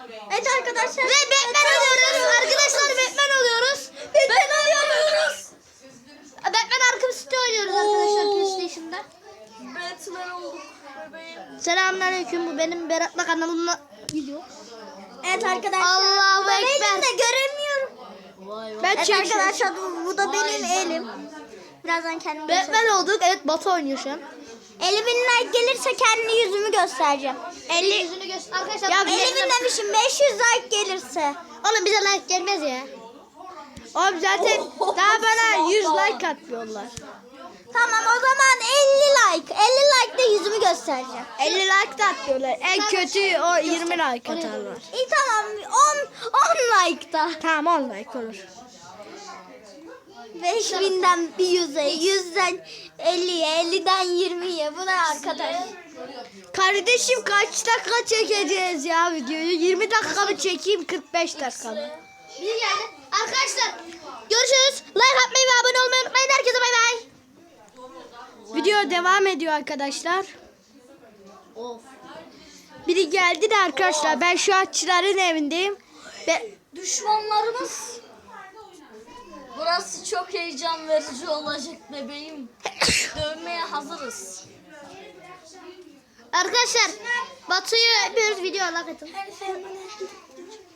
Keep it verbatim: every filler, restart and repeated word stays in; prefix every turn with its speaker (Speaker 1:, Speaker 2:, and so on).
Speaker 1: Evet arkadaşlar.
Speaker 2: Ve Batman oluyoruz. Arkadaşlar Batman oluyoruz. Batman oluyoruz. Batman Arkham City oynuyoruz arkadaşlar PlayStation'da.
Speaker 1: Batman olduk bebeğim.
Speaker 2: Selamünaleyküm, bu benim Berat'la kanalımda video.
Speaker 1: Evet arkadaşlar.
Speaker 2: Allahu
Speaker 1: bu da
Speaker 2: Ekber.
Speaker 1: Benim de göremiyorum.
Speaker 2: Ben
Speaker 1: Evet
Speaker 2: çekiyorum.
Speaker 1: arkadaşlar bu, bu da benim elim. Birazdan kendimi
Speaker 2: Batman olduk. Evet, Batu oynuyor şu an.
Speaker 1: elli bin like gelirse kendi yüzümü göstereceğim. elli
Speaker 2: Yüzünü göster. Arkadaşlar
Speaker 1: Ya
Speaker 2: bize-
Speaker 1: elli bin demişim, beş yüz like gelirse.
Speaker 2: Oğlum bize like gelmez ya. Oğlum zaten daha bana yüz like atmıyorlar.
Speaker 1: Tamam o zaman elli like. elli like de yüzümü göstereceğim.
Speaker 2: elli like da atmıyorlar. En kötü o yirmi like atarlar.
Speaker 1: İyi tamam on, on like da.
Speaker 2: Tamam, on like olur.
Speaker 1: beş binden bir yüze, yüzden elliye, elliden yirmiye. Bu ne arkadaş?
Speaker 2: Kardeşim kaç dakika çekeceğiz ya videoyu? yirmi dakika mı çekeyim, kırk beş dakika mı? Bir geldi. Arkadaşlar görüşürüz. Like atmayı ve abone olmayı unutmayın. Herkese bay bay. Video devam ediyor arkadaşlar.
Speaker 1: Of.
Speaker 2: Biri geldi de arkadaşlar, ben şu atçıların evindeyim. Ve
Speaker 1: Düşmanlarımız. Burası çok heyecan verici olacak bebeğim. Dövmeye hazırız.
Speaker 2: arkadaşlar Batu'yu yapıyoruz, video like atın.